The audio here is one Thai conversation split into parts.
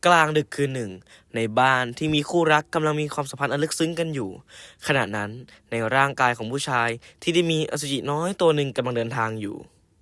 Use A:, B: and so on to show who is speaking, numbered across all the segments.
A: กลางดึกคืนหนึ่งในบ้านที่มีคู่รักกำลังมีความสัมพันธ์อันลึกซึ้งกันอยู่ขณะนั้นในร่างกายของผู้ชายที่ได้มีอสุจิน้อยตัวหนึ่งกำลังเดินทางอยู่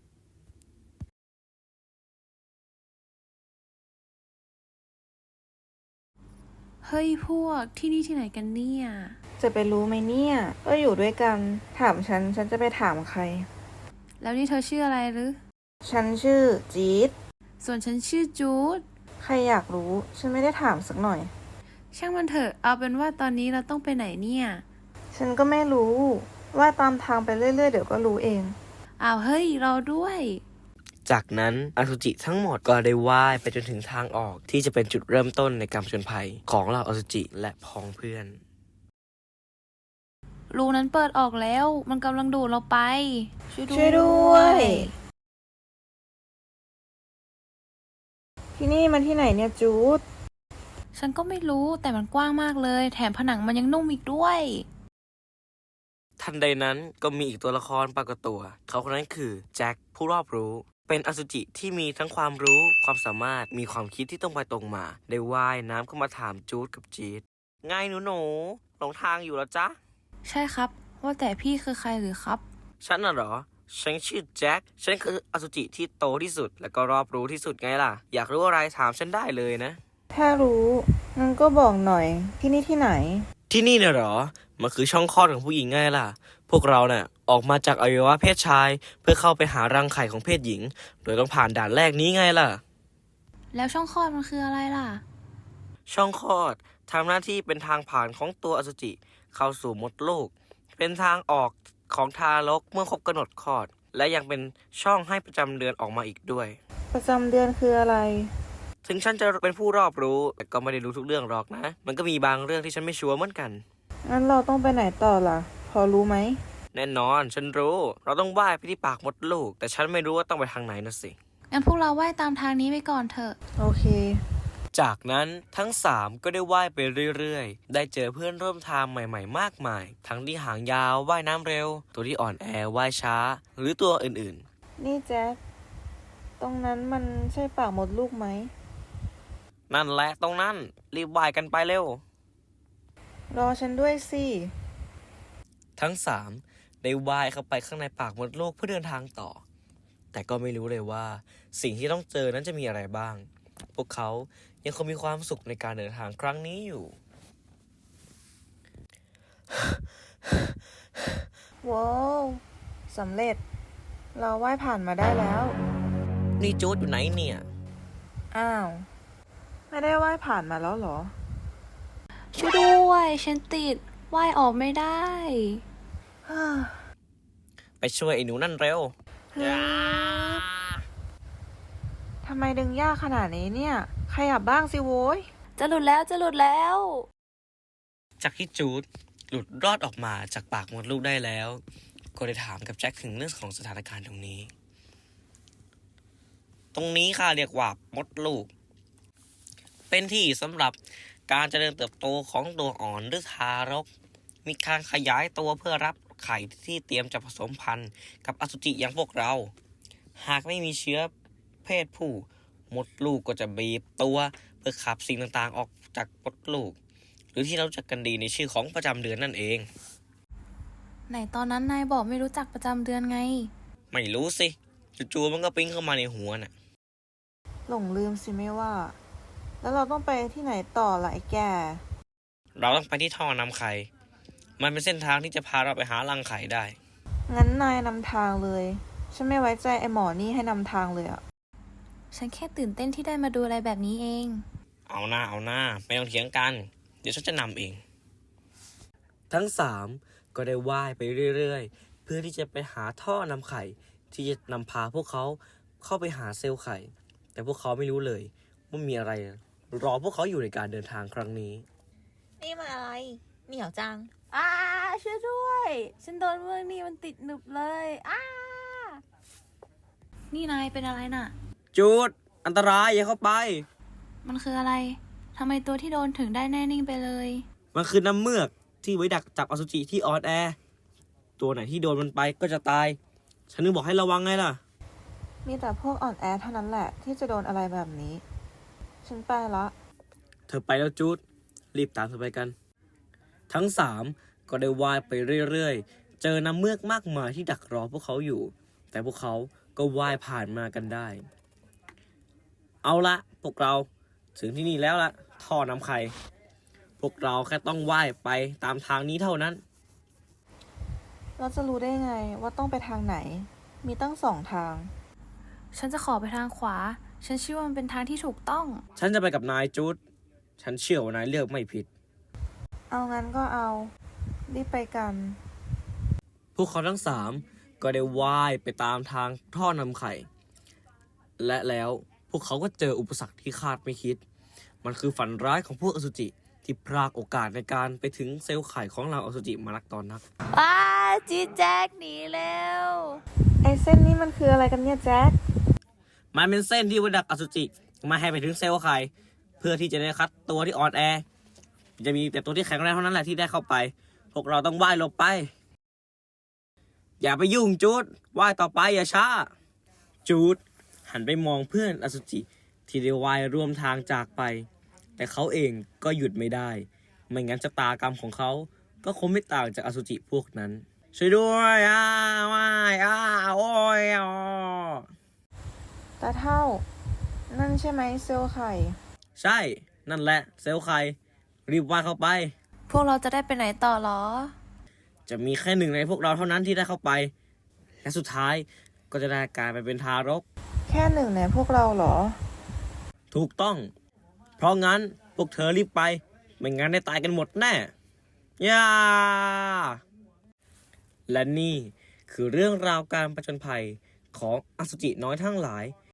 B: เฮ้ยพวกที่นี่ที่ไหนกันเนี่ย
C: จะไปรู้ไหมเนี่ยก็อยู่ด้วยกันถามฉันจะไปถามใคร
B: แล้วนี่เธอชื่ออะไรหรือ
C: ฉันชื่อจี๊ด
B: ส่วนฉันชื่อจูด
C: ใครอยากรู้ฉันไม่ได้ถามสักหน่อย
B: ช่างมันเถอะเอาเป็นว่าตอนนี้เราต้องไปไหนเนี่ย
C: ฉันก็ไม่รู้ว่าตามทางไปเรื่อยๆเดี๋ยวก็รู้เอง
B: อ้าวเฮ้ยรอด้วย
A: จากนั้นอสุจิทั้งหมดก็ได้ว่ายไปจนถึงทางออกที่จะเป็นจุดเริ่มต้นในการผจญภัยของเหล่าอสุจิและพ้องเพื่อน
B: รูนั้นเปิดออกแล้วมันกำลังดูดเราไป ช่วย
C: ช่วยด้วย ที่นี่มันที่ไหนเนี่ยจูด
B: ฉันก็ไม่รู้แต่มันกว้างมากเลยแถมผนังมันยังนุ่มอีกด้วย
A: ทันใดนั้นก็มีอีกตัวละครปรากฏตัวเขาคนนั้นคือแจ็คผู้รอบรู้เป็นอสุจิที่มีทั้งความรู้ความสามารถมีความคิดที่ตรงไปตรงมาได้ว่ายน้ำเข้ามาถามจูดกับจี๊ดไงหนูหลงทางอยู่แล้วจ๊ะ
B: ใช่ครับว่าแต่พี่คือใครหรือครับ
A: ฉันน่ะเหรอ ฉันชื่อแจ็ค ฉันคืออสุจิที่โตที่สุด และก็รอบรู้ที่สุดไงล่ะ อยากรู้อะไรถามฉันได้เลยนะ
C: ถ้ารู้งั้นก็บอกหน่อยที่นี่ที่ไหน
A: ที่นี่น่ะเหรอ มันคือช่องคลอดของผู้หญิงไงล่ะ พวกเราเนี่ยออกมาจากอวัยวะเพศชาย เพื่อเข้าไปหารังไข่ของเพศหญิง โดยต้องผ่านด่านแรกนี้ไงล่ะ
B: แล้วช่องคลอดมันคืออะไรล่ะ
A: ช่องคลอดทำหน้าที่เป็นทางผ่านของตัวอสุจิเข้าสู่มดลูก เป็นทางออกของทารกเมื่อครบกำหนดคลอด และยังเป็นช่องให้ประจำเดือนออกมาอีกด้วย
C: ประจำเดือนคืออะไร
A: ถึงฉันจะเป็นผู้รอบรู้แต่ก็ไม่ได้รู้ทุกเรื่องหรอกนะ มันก็มีบางเรื่องที่ฉันไม่ชัวร์เหมือนกัน
C: งั้นเราต้องไปไหนต่อล่ะ พอรู้ไหม
A: แน่นอนฉันรู้ เราต้องว่ายไปที่ปากมดลูก แต่ฉันไม่รู้ว่าต้องไปทางไหนนะสิ
B: งั้นพวกเราว่ายตามทางนี้ไปก่อนเถอะ
C: โอเค
A: จากนั้นทั้ง3ก็ได้ว่ายไปเรื่อยๆ ได้เจอเพื่อนร่วมทางใหม่ๆ มากมาย ทั้งที่หางยาวว่ายน้ำเร็ว ตัวที่อ่อนแอว่ายช้า หรือตัวอื่น
C: นี่แจ็คตรงนั้นมันใช่ปากมดลูกไหม
A: ๆ นั่นแหละตรงนั้น รีบว่ายกันไปเร็ว
C: รอฉันด้วยสิ
A: ทั้ง3ได้ว่ายเข้าไปข้างในปากมดลูกเพื่อเดินทางต่อ แต่ก็ไม่รู้เลยว่าสิ่งที่ต้องเจอนั้นจะมีอะไรบ้าง พวกเขายังคงมีความสุขในการเดินทางครั้งนี้อยู่
C: ว้าวสำเร็จ เราว่ายผ่านมาได้แล้ว
A: นี่จูดอยู่ไหนเนี่ย
C: อ้าว ไม่ได้ว่ายผ่านมาแล้วเหรอ
B: ช่วยด้วยฉันติดว่ายออกไม่ได้
A: ไปช่วยไอ้หนูนั่นเร็ว
C: ทำไมดึงยากขนาดนี้เนี่ย ขยับบ้างสิโว้ย
B: จะหลุดแล้วจะหลุดแล้ว
A: จากที่จูดหลุดรอดออกมาจากปากมดลูกได้แล้ว ก็ได้ถามกับแจ็คถึงเรื่องของสถานการณ์ตรงนี้ ตรงนี้ค่ะเรียกว่ามดลูก เป็นที่สำหรับการเจริญเติบโตของตัวอ่อนหรือทารก มีการขยายตัวเพื่อรับไข่ที่เตรียมจะผสมพันธุ์กับอสุจิอย่างพวกเรา หากไม่มีเชื้อเพศผู้มดลูกก็จะบีบตัวเพื่อขับสิ่งต่างๆออกจากมดลูก หรือที่เรารู้จักกันดีในชื่อของประจำเดือนนั่นเอง
B: ไหนตอนนั้นนายบอกไม่รู้จักประจำเดือนไง
A: ไม่รู้สิจู่ๆมันก็ปิ๊งเข้ามาในหัวน่ะ
C: หลงลืมสิไม่ว่า แล้วเราต้องไปที่ไหนต่อล่ะไอ้แก
A: เราต้องไปที่ท่อนำไข่ มันเป็นเส้นทางที่จะพาเราไปหารังไข่ได้
C: งั้นนายนำทางเลย ฉันไม่ไว้ใจไอ้หมอนี่ให้นำทางเลยอะ
B: ฉันแค่ตื่นเต้นที่ได้มาดูอะไรแบบนี้เอง
A: เอาหน้าไม่ต้องเถียงกัน เดี๋ยวฉันจะนำเอง ทั้ง3ก็ได้ว่ายไปเรื่อยๆ เพื่อที่จะไปหาท่อนำไข่ ที่จะนำพาพวกเขาเข้าไปหาเซลล์ไข่ แต่พวกเขาไม่รู้เลยว่ามีอะไรรอพวกเขาอยู่ในการเดินทางครั้งนี้
C: นี่มันอะไร เหนียวจัง
B: ช่วยด้วย ฉันโดนเมือกนี่มันติดหนึบเลยนี่นายเป็นอะไรน่ะ
A: จูดอันตรายอย่าเข้าไป
B: มันคืออะไร ทำไมตัวที่โดนถึงได้แน่นิ่งไปเลย
A: มันคือน้ำเมือกที่ไว้ดักจับอสุจิที่ออนแอร์ตัวไหนที่โดนมันไปก็จะตาย ฉันนึกบอกให้ระวังไงล่ะ
C: มีแต่พวกอ่อนแอเท่านั้นแหละที่จะโดนอะไรแบบนี้ ฉันไปละ
A: เธอไปแล้วจูดรีบตามเธอไปกัน ทั้งสามก็ได้ว่ายไปเรื่อยๆ เจอน้ำเมือกมากมายที่ดักรอพวกเขาอยู่ แต่พวกเขาก็ว่ายผ่านมากันได้ เอาละพวกเราถึงที่นี่แล้วละท่อน้ำไข่พวกเราแค่ต้องว่ายไปตามทางนี้เท่านั้น
C: เราจะรู้ได้ไงว่าต้องไปทางไหน มีตั้ง2 ทาง
B: ฉันจะขอไปทางขวา ฉันเชื่อว่ามันเป็นทางที่ถูกต้อง
A: ฉันจะไปกับนายจูดฉันเชื่อว่านายเลือกไม่ผิด
C: เอางั้นก็เอา รีบไปกัน
A: พวกเขาทั้งสามก็ได้ว่ายไปตามทางท่อนำไข่ และแล้วพวกเขาก็เจออุปสรรคที่คาดไม่คิด มันคือฝันร้ายของพวกอสุจิที่พรากโอกาสในการไปถึงเซลล์ไข่ของเราอสุจิมานักตอนนัก
B: ว้าจีแจ็คหนีเร็ว
C: ไอ้เส้นนี้มันคืออะไรกันเนี่ยแจ็ค
A: มันเป็นเส้นที่ไว้ดักอสุจิไมาให้ไปถึงเซลล์ไข่เพื่อที่จะได้คัดตัวที่อ่อนแอ จะมีแต่ตัวที่แข็งแรงเท่านั้นแหละที่ได้เข้าไป พวกเราต้องว่ายหลบไป อย่าไปยุ่งจูดว่ายต่อไปอย่าช้า จูดหันไปมองเพื่อนอสุจิที่ได้ว่ายร่วมทางจากไป แต่เขาเองก็หยุดไม่ได้ ไม่งั้นชะตากรรมของเขาก็คงไม่ต่างจากอสุจิพวกนั้น ช่วยด้วยว่ายโอ้ยอ๋อ
C: ตาเท่า นั่นใช่ไหมเซลล์ไข่
A: ใช่ นั่นแหละเซลล์ไข่รีบว่ายเข้าไป
B: พวกเราจะได้ไปไหนต่อหรอ
A: จะมีแค่หนึ่งในพวกเราเท่านั้นที่ได้เข้าไป และสุดท้ายก็จะได้กลายไปเป็นทารก
C: แค่1ในพวกเราเหรอ
A: ถูกต้อง เพราะงั้นพวกเธอรีบไป ไม่งั้นได้ตายกันหมดแน่ย่าและนี่คือเรื่องราวการผจญภัยของอสุจิน้อยทั้งหลาย